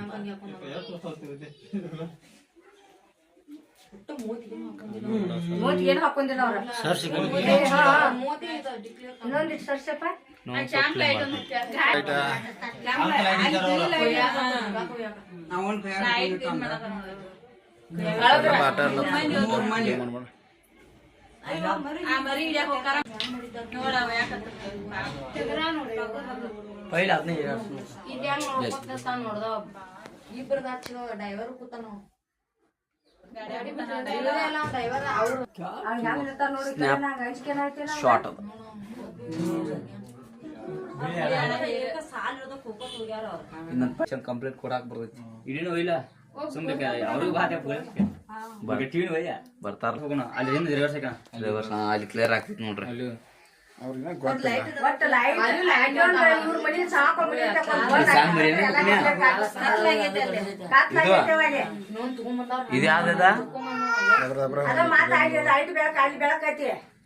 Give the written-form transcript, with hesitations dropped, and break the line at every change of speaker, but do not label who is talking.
ಮೂತಿಗೇನು ಹಾಕೊಂಡಿಲ್ಲ ಅವ್ರ ಇನ್ನೊಂದಿಟ್ಟು ಸರ್ಸಪ್ಪ ನೋಡ್ದ ಇಬ್ಬರದ ಡೈವರ್ ಕೂತಾನ
ಕಂಪ್ಲೇಂಟ್ ಕೊಡಾಕ್ ಬರ್ತೈತಿ ಇಡೀನು ಒಯ್ಲ ಸುಮ್ನೆ ಅವ್ರಿಗೆ ಬಾತೆ ಬರ್ತಾರ ಹೋಗೋಣ ಅಲ್ಲಿ ಹಿಂದೆ ರಿವರ್ಸ್ ಅಲ್ಲಿ ಕ್ಲಿಯರ್ ಆಗ್ತೈತಿ ನೋಡ್ರಿ ಅಲ್ಲಿ
ಇದು ಯಾವ್ದ